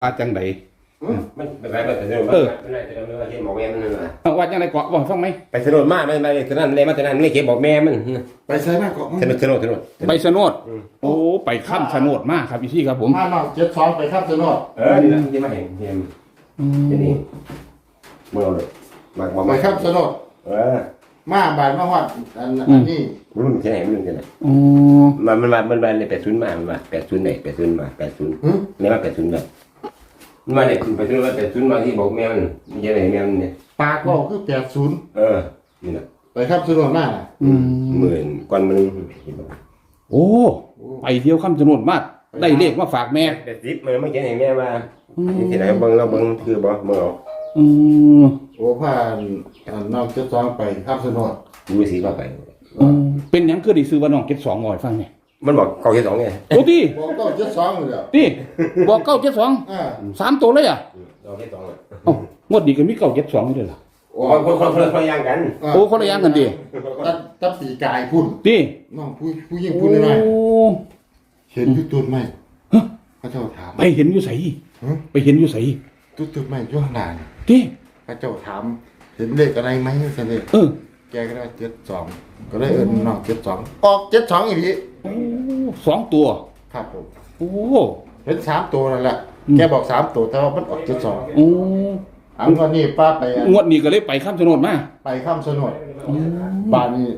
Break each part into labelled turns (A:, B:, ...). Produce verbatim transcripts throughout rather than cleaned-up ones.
A: ว่าจังได
B: มันไปไปไปแต่เรื่องมันไม่ได้แต่เรื่องที่บอกแม่มันนั่นแหละ
A: ว่าจังไดเกาะบอกฟังไหม
B: ไปสนุกมากไม่ไม่แต่นั้นเลยมาแต่นั้นไม่เก็บบอกแม่มัน
C: ไปใช้มากกว่า
B: สนุกสนุกสนุก
A: ไปสนดโอ้ไปข้ามสนดมากครับพี่ที่ครับผม
C: มาหน่อยเจ็ดสองไปข้ามสนด
B: เออนี่นะที่มาเห็นเห็นที่นี่เมื่อเลยมาบอก
C: ไปข้ามสนด
B: เออ
C: มาบานมาวัดอันนี้
B: รุ่นที่ไหนรุ่นที่ไหน
A: อ๋อ
B: มันมันมามันมาในแปดศูนย์มามันมาแปดศูนย์ไหนแปดศูนย์มาแปดศูนย์นี่มาแปดศูนย์แบบมันมาเนี่ยไปศูนย์มาแปดศูนย์มาที่บอกแม่มันมันยังไงแม่มันเนี่ย
C: ปากก็คือแปดศูนย์
B: เออนี่นะ
C: ไปข้ามสนดมาก
B: หมื่นก้อนมัน
A: โอ้ไปเที่ยวข้ามสนดมากได้เลขมาฝากแม่
B: แปดสิบมันไม่เขียนให้แม่มาที่ไหนเบิ้งเราเบิ้งคือบ่เมื่อ
A: อืม
C: โอ้ผ่านน้องเจ็ดสองไปข้ามสนด
B: ดูสีว่าไป
A: เป็นยังคือได้ซื้อว่าน้องเก็ตสองงอยฟังเนี่ย
B: มันบอกเก้าเจ็ดสองไง
A: โอ้ตี
C: บอกเก้าเจ็ดสองเลย
A: ตีบอกเก้าเจ็ดสองสามตัวเลยอ่ะ
B: เก้าเจ็ดสองเลย
A: อ๋องวดดีก็มีเก้าเจ็ดสองด้วยเหรอ
B: โอ้คนคนคนคนละอย่างกัน
A: โอ้คนละอย่างกันดิ
C: ตัดตัดปีกายพุ่น
A: ตี
C: น้องผู้ผู้ยิ่งพุ่นหน่อยเห็นยุตุนไหมพระเจ้าถาม
A: ไปเห็นอยู่ใส่ไปเห็นอยู่ใส่
C: ตุตุนไหมยุ่งนาน
A: ตี
C: พระเจ้าถามเห็นเลขอะไรไหมเสด็จ
A: เออ
C: แกก็ได้เจ็ดสองก็ได้เอิญน้องเจ็ดสองออกเจ็ดสองอีกที
A: สองตัว
C: ครับผม
A: โอ้
C: เห็นสามตัวนั่นแหละแกบอกสามตัวแต่ว่ามันออกเจ็ดสอง
A: โอ้
C: อันวันนี้ป้าไป
A: งวดนี้ก็เลยไปข้ามถนนมา
C: ไปข้ามถนนบ้านนี้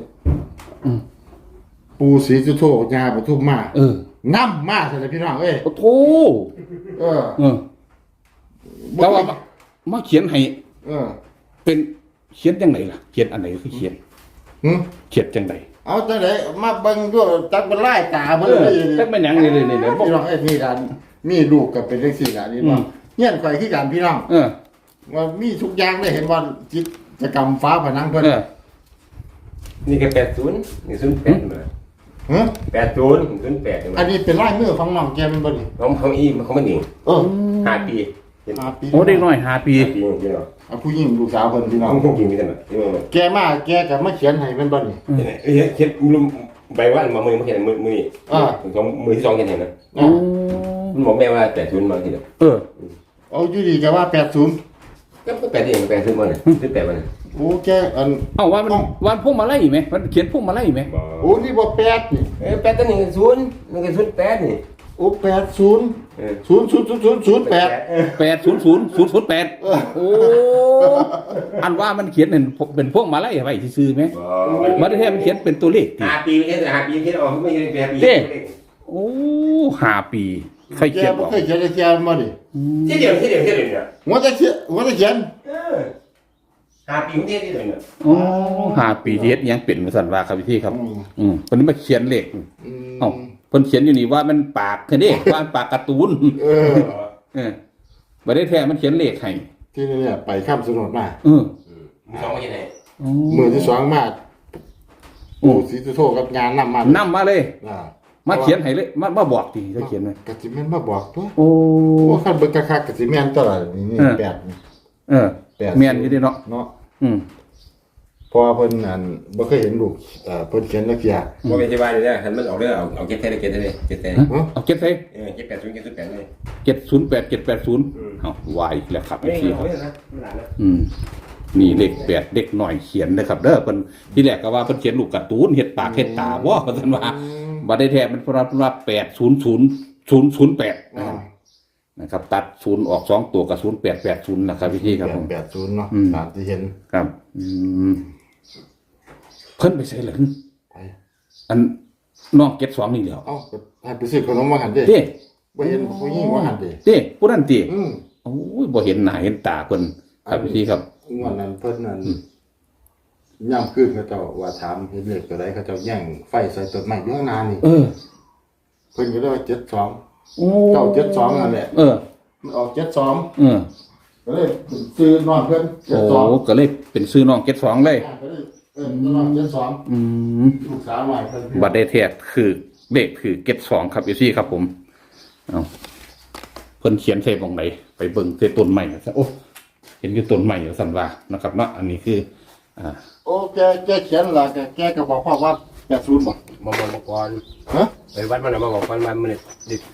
C: ปูศรีสุโธยาปทุมมา
A: เออ
C: น้ำมาเลยพี่น้องเอ้ย
A: โอ้โถ
C: เออ
A: เออแต่ว่ามาเขียนให้
C: เออ
A: เป็นเขียนจังไหนล่ะเขียนอันไหนคือเขียนเขียนจังไหน
C: เอาจังไหนมาเบิ่งด้วยจักเป็นไล่ตามัน
A: เลยจักเป็นหยังเลยเลยเนี่ย
C: พี่น้องไอ้นี่กันมีลูกกับเป็นเรื่องสิ่งอันนี้ว่าเงี้ยข่อยขี้กันพี่น้อง
A: เออ
C: ว่ามีทุกอย่างได้เห็นว่าจิตกรรมฟ้าผนังเพิ่น
B: นี่ก็แปดศูนย์นี่ศูนย์แปดมา
C: ฮะ
B: แปดศูนย์ศูนย์แปด
C: อันนี้เป็นลายมือของน้องแกเป็นบ่นี่
B: ของของอีมันของมันเอง
C: เออ
B: ห้าปี
C: ห้าปี
A: โอ้เด็กน้อยห้าปี
B: ปีพี่น้อง
C: เอาผู้หญิงลูกสาวเพิ่นพี่น้อง
B: ผู้หญิงมีแต่แบบ
C: แกมาแกก็มาเขียนให้เป็นบ่นี่
B: เอ้ยเขียนใบว่ามามือมาเขียนมือมือนี่อ่าสองมือที่สองเขียนเห็นนะ
A: อ๋อ
B: มันบอกแม่ว่าแปดศูนย์มาทีเดียว
A: เออ
C: เอาอยู่ดีก็ว่าแปดศูนย์
B: ก็แปดเองแปดศูนย์มาเนี่ยศูนย์แปดมาเนี่ย
C: โอ้แกอัน
A: เอ้าวันวันพวกมาไล่ไหมมันเขียนพวกมาไล่ไหม
C: โอ้นี่บ่แปดนี่
B: เออแปดตัวนี้ศูนย์นี่ก็ศูนย์แปดนี่
C: โอ้แปดศูนย์ศูนย์ศูนย์ศูนย์ศูนย์ศูนย์แปด
A: แปดศูนย์ศูนย์ศูนย์ศูนย์แปดโอ้อันว่ามันเขียนเป็นเป็นพวกมาไล่ไว้ซื่อไหมมันแท้มันเขียนเป็นตัวเลข
B: ห้าปีไม่ใช่ห้าปีเขียนออกไม่ใช่แปดปี
A: โอ้ห้าปีใครเขียนบอก
C: เคยเขียนเขียนมาดิ
B: ที่เดียวที่เดียวที่เดียวเนี่ย
C: หัวจะเขียนหัวจะเขียน
B: ห้าปีที่เดียวเนี่ย
A: โอ้ห้าปีที่เฮ็ดยังเป็นสันว่าครับพี่ครับอืมคนนี้มาเขียนเลขเอ้าคนเขียนอยู่นี่ว่ามันปากแค่นี้ว่าปากการ์ตูน
C: เออ
A: เออบ่ได้แท้มันเขียนเลขให้
C: ที่นี่เนี่ยไปข้ามสนดมา
A: เออ
B: มือสองมาที่ไหน
C: มือที่สองมาโอ้ศรีสุโธกับงานนำมาน
A: ำมาเลยมาเขียนให้เลยมามาบอกทีจะเขียนไหม
C: กะสิแม่นมาบอกตัว
A: โอ้
C: โอ้คันเบิ่งคักๆกะสิแม่นตลอดนี่แปด
A: เออแม่นอยู่ดิเนาะ
C: เนาะ
A: อืม
C: พอเพิ่นนั่นบ่เคยเห็นลูกเอ่อเพิ่นเขียนนักเรียน
B: บ่เป็นที่บ้านเลยคันมันออกเด้อเอาเอาเก็บใส่เก็บใส่เก็บใส่
A: เอาเก็บใส่
B: เออเก็บแปดศูนย์เก็บศูนย์แปดเลย
A: เจ็ดศูนย์แปดเจ็ดแปดศูนย์เอาวายแล้วครับพี่ครับอืมนี่เลขแปดเด็กหน่อยเขียนนะครับเด้อเพิ่นที่แรกก็ว่าเพิ่นเขียนลูกการ์ตูนเฮ็ดปากเฮ็ดตาบ่ว่าซั่นว่าบ่ได้แท้มันเพราะว่าแปดศูนย์ศูนย์ศูนย์ศูนย์แปดนะครับตัดศูนย์ออกสองตัวกับศูนย์แปดแปดศูนย์นะครับพี่ครับผม
C: แปดศูนย์เนาะตามที่เห็น
A: ครับอืมเพิ่นไปใส่หลังอันน้องเก็ตสองนี่เดียว
C: เอ้าให้ไปซื้อขนมมาหันเด้
A: เด้
C: บ่เห็นผู้หญิงว่าหันเด้
A: เด้ผู้นั้นติอือโอ้ยบ่เห็นหน้าเห็นตาเพิ่นครับพี่ครับ
C: งวดนั้นเพิ่นนั้นย่ำคืนเขาเจ้าว่าถามเห็นเลขตัวใดเขาเจ้าแย่งไฟใส่ต้นไม้อยู่ข้างหน้านี่
A: เออ
C: เพิ่นก็เลยว่าเจ็ดสองโอ้เก้าเจ็ดสองนั่นแหละ
A: เออ
C: มันออกเจ็ดสอง
A: เออ
C: ก็เลยซื้อน้องเพิ่น
A: เจ็ดสองโอ้ก็เลยเป็นซื้อน้องเจ็ดสองเลย
C: เออน้องเจ็ดสอง
A: อืม
C: ลูกสาวใหม่เพิ่น
A: บัดได้แท้คือเลขคือเจ็ดสองครับอยู่ซี่ครับผมเอ้าเพิ่นเขียนใส่ตรงไหนไปเบิ่งใส่ต้นไม้ซะโอ้เห็นอยู่ต้นไม้อยู่ซั่นว่านะครับเนาะอันนี้คืออ่า
C: โอ้แกแกเขียนล่ะแกแกก็บอกว่าแปดศูนย์บ่
B: มาบอกก่อน
C: ฮะ
B: ไปวัดมันมาบอกก่อนมันมันเด็ก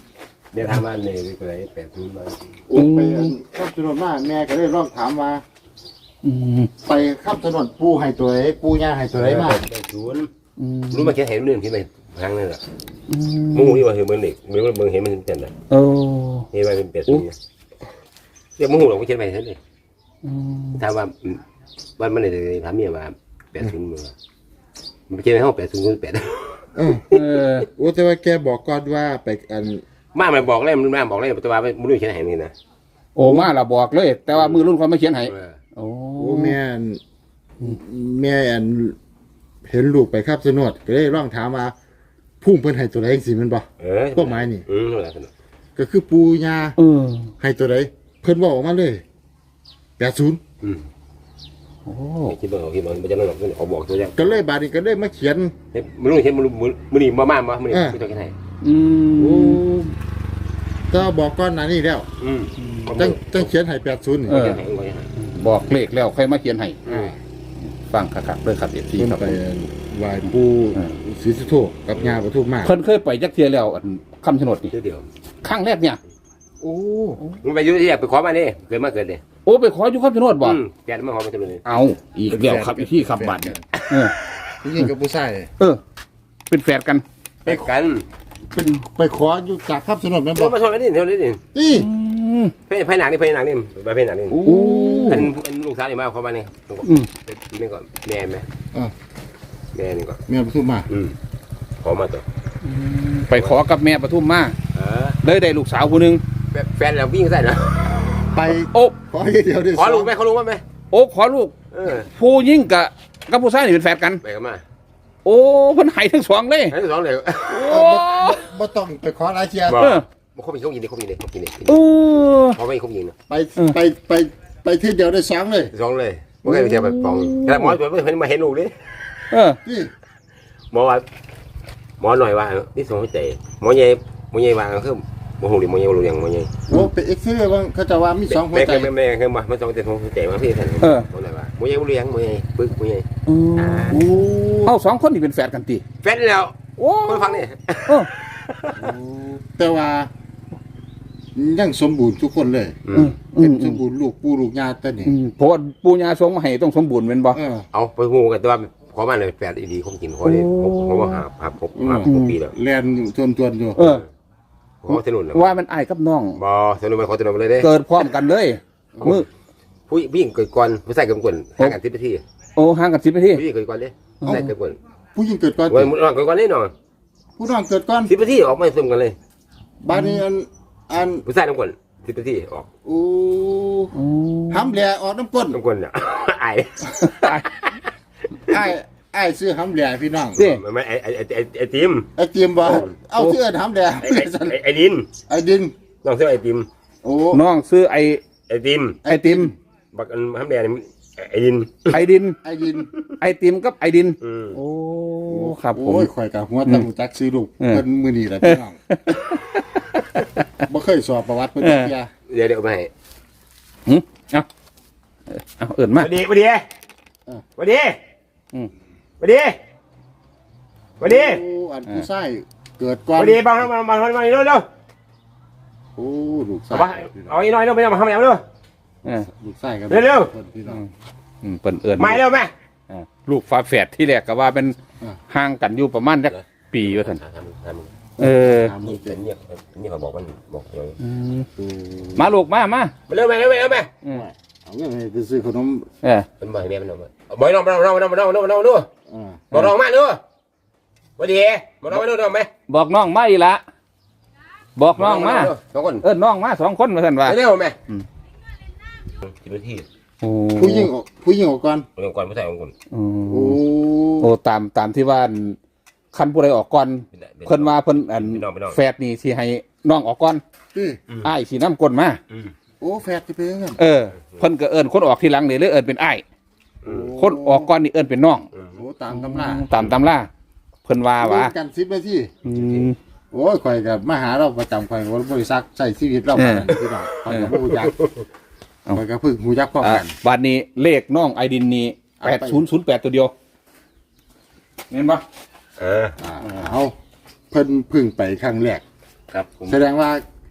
B: เดี๋ยวถามว่าเนี่ยเป็นไรแปดศูนย์มา
C: โอ้ไปข้ามถนนมาแม่ก็เลยร้องถามว่า
A: อืม
C: ไปข้ามถนนปูให้ตัวไหนปูย่าให้ตัวไหนมา
B: แปดศูนย์
A: อืม
B: รู้มาแค่เห็นเรื่องที่ไหนครั้งนึงอ่ะ
A: อืม
B: มูนี่ว่าเห็นเบอร์หนึ่งเบอร์เบอร์เห็นมันเต็มเลย
A: โอ้
B: เห็นว่าเป็นแปดศูนย์เดี๋ยวมูหลงก็เขียนไปเท่านี้
A: อืม
B: ถามว่าว่ามันเลยถามเมียว่าแปดศูนย์มือมันเขียนในห้องแปดศูนย์แปด
C: เออ
A: เออ
C: โอ้แต่ว่าแกบอกก่อนว่าไปอัน
B: มามันบอกเลยมันมาบอกเลยแต่ว่าไม่รู้เขียนไหนนี่นะ
A: โอ้มาละบอกเลย แต่ว่ามือรุ่นคนไม่เขียนให้โอ้
C: โอ้แม่อันแม่อันเห็นลูกไปข้ามถนนก็เลยร้องถามว่าพุ่งเพิ่นให้ตัวไหนสิมันบ่
B: เออ
C: พวกไม้นี่
B: อืมอะไรกัน
C: ก็คือปูย่า
A: เออ
C: ให้ตัวไหนเพิ่นบอกออกมาเลยแปดศูนย์
B: อืม
A: โอ้
B: คิดว่าคิดว่ามันจะนั่งหรอกเขาบอกตัวอย่าง
C: ก็เลยบาดนี้ก็เลยมาเขียน
B: ไม่รู้เขียนมันมันนี่มาม่ามามันนี่ไม่ต้องแค่ไหน
A: อื
C: โอ้
A: ม
C: ก็บอกก่อนหน้านี้แล้ว
B: อืม
C: จังจังเขียนให้แปดศูนย์
B: เออ
A: บอกเลขแล้วค่อยมาเขียนให้ฟังคักๆเลยครับเอฟซี
C: เพิ่น
A: ครับ
C: ไปไหว้ปู
A: เออ
C: ศรีสุโธกับย่าปทุมมา
A: เพิ่นเคยไปจักเทียแล้วอันคำชะโนดนี่
B: เดียว
A: ครั้งแรกเนี่ย
C: โอ้
B: มึงไปยุ่ที่อยากไปขอมาดิเกิดมาเกิดเลย
A: โอ้ไปขออยู่คำชะโนดบ่
B: แกมาขอมาจะเลย
A: เอาอีกแล้วครับอีกที่คำบัตรเนี่ยเออ
C: ผู้หญิงกับผู้ชาย
A: เออ เป็นแฝดกัน
B: ไปกัน
C: เป็นไปขออยู่จากข้ามถนนแม่น
B: เดี๋
C: บ่
B: ยวมาชนกันนี่เดี๋ยวนี้นี่
C: นี่
A: อืม
B: ไปไปหนักนี่ไปหนักนี่ไปไปหนักนี่
A: โอ้
B: อันอันลูกสาวนี่มาขอมานี่
A: อืม
B: นี่ก่อนแม่ไหม
C: อ่า
B: แม่นี่ก่อน
C: แม่ปทุมมา
B: อืมขอมาตัว
A: ไปขอกับแม่ปทุมมา
B: เออ
A: เลยได้ลูกสาวคนหนึ่ง
B: แฟนเราวิ่งใส่นะ
C: ไป
A: โอ้
C: ขอเดียวได้
B: ขอลูกไหมขอลูกไหม
A: โอ้ขอลูก
B: เออ
A: ผู้ยิ่งกับกับผู้ชายนี่เป็นแฝดกัน
B: ไปกันมา
A: โอ้เพิ่นให้ทั้งสองเลย
B: ทั้งสองเลย
A: โอ้
C: บ่ต้องไปขอหลายเที่ย
B: บอก
A: เออ
B: มันเขายิงเขายิงดิเขายิงดิเขายิงดิ
A: เออ
B: เขาไม่เขายิงนะ
C: ไปไปไปไปที่เดียวได้สองเลย
B: สองเลยไม่เคยไปเที่ยวแบบสองแต่หมอตัวไม่เห็นมาเห็นลูกดิ
A: เออ
C: นี่
B: หมอว่าหมอหน่อยว่านี่สองหัวใจหมอใหญ่หมอใหญ่ว่าคือหมอหูดิหมอใหญ่รู้ยังหมอใหญ่
C: โอ้ไปเอ็กซเรย์ว่าเขาจะว่ามีสองหัว
B: แม่
C: ใจ
B: แม่แม่คือมามันสองแต่สองหัวใจมาพี่ท่านหมอหน่อยว่าหมอใหญ่รู้ยังหมอใหญ่ปึ๊กหมอใหญ่
A: อืม
C: โอ้
A: เอาสองคนนี่เป็นแฝดกันติ
B: แฟนแล้ว
A: โอ้
B: คนฟังนี่
A: เออ
C: แต่ว่ายังสมบูรณ์ทุกคนเลย
A: อืมอื
C: เป็น
A: ม
C: สมบูรณ์ลูกปู่ลูกย่าแต่นี่
A: อืมเพราะว่าปู่ย่าทรงมาให้ต้องสมบูรณ์เป็นบ่
C: เออ
B: เอาไปงูกันตัวขอมาเลยแฟนดีๆคงกินขอเลยผมว่าหาหาพบหาพบปีแล้ว
C: แลนอยู่ทวนๆอยู่
A: เออ
B: ขอสนุนแล้ว
A: ว่ามันอ้ายกับน้อง
B: บอสนุนไปขอสนุนไปเลยเด้
A: เกิดพร้อมกันเลยมือ
B: ผู้ผู้หญิงเกิดก่อนผู้ชายเกิดก่อนห่างกันสิบนาที
A: โอ้ห่างกันสิบนาที
B: ผู้หญิงเกิดก่อนเลยผู้ชายเกิดก่อน
C: ผู้หญิงเกิดก่อน
B: วันมุดเกิดก่อนเลยเนาะ
C: ผู้น้องเกิดก่อน
B: สิบนาทีออกมาซุ่มกันเลย
C: บ้านนี้อันอัน
B: ผู้ชายน้ำก่อนสิบนาทีออก
C: โอ้
A: โอ้
C: ห้ำแหล่ออกน้ำก้น
B: น้ำก่อนเนี่ยไอ้
C: ไอ้ไอ้ซื้อห้ำแหล่พี่น้อง
A: สิ
B: มันไม่ไอ้ไอ้ไอ้ไอ้ไอ้ติม
C: ไอ้เจียมบ่เอาเสื้อห้ำแหล่
B: ไอ้ไอ้ไอ้ไอ้ดิน
C: ไอ้ดิน
B: น้องเสื้อไอ้ติม
C: โอ้
A: น้องซื้อไอ
B: ไอ้ติม
A: ไอติม
B: บักอันทำแดงไอ้ดิน
A: ไอดิน
C: ไอ้ดิน
A: ไอติมกับไอดิน
B: อืม
A: โอ้ครับผม
C: โอ้ยข่อยกับหัวตั้งจักซื้อลูก
A: เออ
C: เพิ่นมื้อนี้แหละพี่น้องบ่เคยสอบประวัติเพิ่นจักเที่ย
B: เดี๋ยวเดี๋ยวไปให้
A: หึเอาเอาเอิ่นมา
B: วันดีวันดีวันดี
A: อืม
B: วันดีวันดี
C: โอ้อันผู้ชายเกิดก่อน
B: วันดีบังมามามามาเร็วเร็ว
C: โอ้ลูก
B: เอา
C: ชาย
B: เอาอีกหน่อยเร็วไม่ต้องมาทำแล้วเร็ว
A: เออ
C: ลูกชายกัน
B: เร็ว
C: พิ่นพี่น้อง
A: อืมเปิ่นเอิ่น
B: ไม่เร็วแม่
A: อ่าลูกฟ้าแฝดที่แรกก็ว่าเป็น
C: อ่า
A: ห่างกันอยู่ประมาณจักปีว่าท่าน
B: ทำทำ
A: เออ
C: ถาม
B: นี่
C: ลูก
B: เป็นเนี่ยนี่เขาบอกมันบอกเดี๋ยว
A: อืม
C: โอ้
A: มาลูกมามา
B: เร็วแม่เร็วแม่เร็วแม่
A: อืม
C: เอาเงินให้ไปซื้อขนม
A: เออ
B: มันบอกให้แม่มันเอาบอกน้องน้องน้องน้องน้องน้องน้องดู
C: อ่า
B: บอกน้องมาดูวันดีบอกน้องมาดูน้องไหม
A: บอกน้องมาอีละบอกน้องมา
B: สองคน
A: เอิ้นน้องมาสองคนว่าท่านว่า
B: เร็วแม่
A: อืม
B: สิบนาที
A: โอ้
C: ผู้หญิงออกผู้หญิงออกก่อน
B: เรื่องก่อนผู้ชายของคน
A: อืม
C: โอ้
A: โอ้ตามตามที่ว่าคันผู้ใดออกก่อนเพิ่นว่าเพิ่นอัน
B: พี่น้องพี่น้อง
A: แฝดนี่สิให้น้องออกก่อน
C: นี่
A: อ้ายสินำก้นมา
B: อืม
C: โอ้แฟดที่เป็นยังไง
A: เออเพิ่นก็เอิ้นคนออกทีหลังนี่เลยเอิ้นเป็นอ้าย
B: อืม
A: คนออกก่อนนี่เอิ้นเป็นน้อง
C: โอ้ตามตำรา
A: ตามตำราเพิ่นว่าว่า
C: เล่นกันสิบนาที
A: อืม
C: โอ้ยข่อยกับมาหาเราประจำข่อยว่าบริษัทใช้ชีวิตเรา
A: เอ
C: มา
A: อ
C: พี่น้องข่อยกับผู้ยักษ์
A: เอา
C: ข่อยกับพึ่งหูยักษ์พร้อม
A: อ่ะ
C: กัน
A: บัดนี้เลขน้องไอดินนี่
C: เอา
A: แป
C: ไป
A: ดศูนย์ศูนย์แปดตัวเดียวเห็นปะ
B: เออ
C: อ่าเอาเพิ่นพึ่งไปครั้งแรก
B: ครับผม
C: แสดงว่า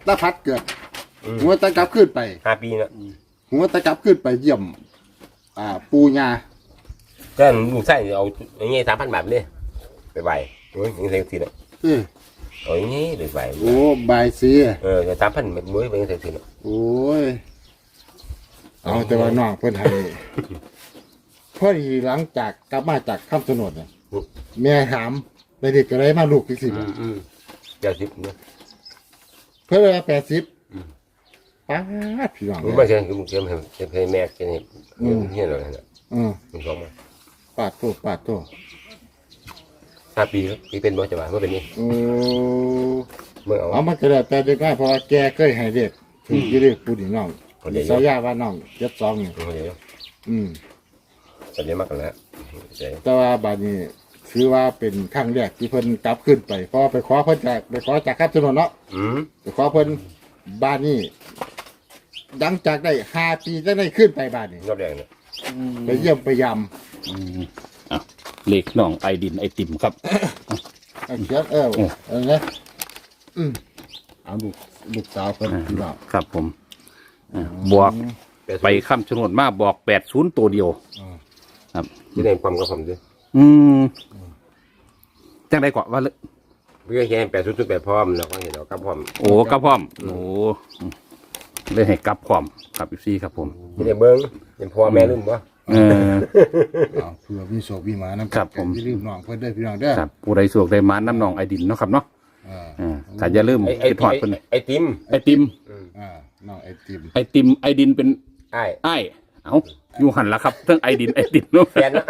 C: ตาพัดเกิดหัวตะกลับขึ้นไป
B: ห้าปีแล้ว
C: หัวตะกลับขึ้นไปเยี่ยม อ่า ปูญา
B: ก็ลูกไส้เอาอย่างเงี้ยสามพันบาทเลยไปไหวโอ้ยยังไงสิเนาะ
C: เออ
B: เอาอย่างงี้ไปไหว
C: โอ้บายซี
B: เออสามพันมันมุ้ยไปยังไงสิเนาะ
C: โอ้ยเอาแต่ว่าน้องเพิ่นให้พอดีหลังจากกลับมาจากคำสนดเนี่ยแม่ถามไปเด็กก็ได้มาลูกอีกสิ
B: อืมอืมเจ็ดสิบเนี่ย
C: เพิ่นว่าแปดสิบป้าดพี่น้อง
B: มึงไม่ใช่มึงเชื่อมให้เชื่อมให้แม่กินให้เงี้ยเลยนะ
C: อืม
B: มึงสองมา
C: ปาดโตปาดโต
B: ห้าปีแล้วปีเป็นบ่จะว่าเมื่อเป็นนี่
C: โอ้
B: เมื่อเอา
C: เอามันก็ได้แต่เด็กน้อยเพราะว่าแกเคยให้เด็กถึงจะเรียกปูนี่น้อง
B: คนเดียว
C: สายาว่าน้องเจ็ดสองนี่
B: เดี๋ยว
C: อืม
B: จะเรียกมากกันแล้วเดี๋ยว
C: แต่ว่าบาดนี้ถือว่าเป็นครั้งแรกที่เพิ่นกลับขึ้นไปเพราะไปขอเพิ่นจากไปขอจากครับถนนเนาะ
B: อืม
C: ไปขอเพิ่นบ้านนี้หลังจากได้ห้าปีจะได้ขึ้นไปบ้านนี้
B: รอบแรกเนี่ย
C: ไปเยี่ยมไปย
A: อืมอ่ะเลขน้องไอดินไอติมครับ
C: ำเอาเขียนเออ
A: โอ้
C: เออนะอืมเอาลูกลูกสาวเพิ่นพี่น้อง
A: ครับผมอ่ะบอกไปคำชะโนดมาบอกแปดศูนย์ตัวเดียว ครับ
B: ที่ได้ความกับผมด้วย
A: อืมจังได้กว่าว่าเลย
B: เพื่อแค่แปดสุดสุดแปดพร้อมแล้วก็เห็นเรากับพร้อม
A: โอ้กลับพร้อม โอ้เลยให้กลับพร้อมครับพี่ครับผม
B: ที่ได้เบิ้งเป็นพ่อแม่ลืมบ่
A: เออ
C: เอาเพื่อมีโศกมีหมานำ
A: ครับผม
C: อย่าลืมน้องเพิ่นเด้อพี่น้องเด้อ
A: ครับผู้ใดสวกได้มาน้ำนองไอดินเนาะครับเนาะ
C: อ่า
A: อ่าถ้าอย่าลืม
B: ไอ้ไอ้
A: ไปถอดเป็น
B: ไอ้ติม
A: ไอติม
C: อ่าน้องไอติม
A: ไอติมไอดินเป็น
B: ไอ้
A: ไอายเอ้าอยู่หันละครับเรื่องไอดินไอดินเนาะ
B: แฟนนะ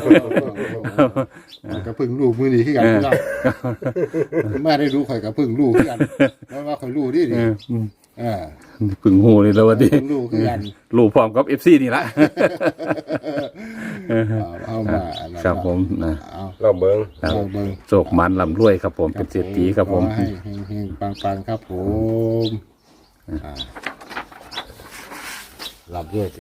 C: มันก็เพิ่งรู้มือนี้คือกันพี่น้องมาได้รู้ข่อยก็เพิ่งรู้คือกันแล้วว่าข่อยรู้ดิ
A: เอ
C: ดิ
A: ออืม
C: อ่า
A: เพึ่งหูเลยแล้ววันนี้
C: เพิ่งรู้คือกัน
A: รู้พร้อมกับเอฟซีนี่ละ
C: เอาเอามาอันนั้น
A: ครับผมนะ
C: เอา
B: เราเบิ้ง
A: ครับ
C: เอาเบิ่ง
A: โศกมันลำรวยครับผมเป็นเศรษฐีครับผม
C: ขอให้เฮงๆปังๆครับผมอ่ารับด้วย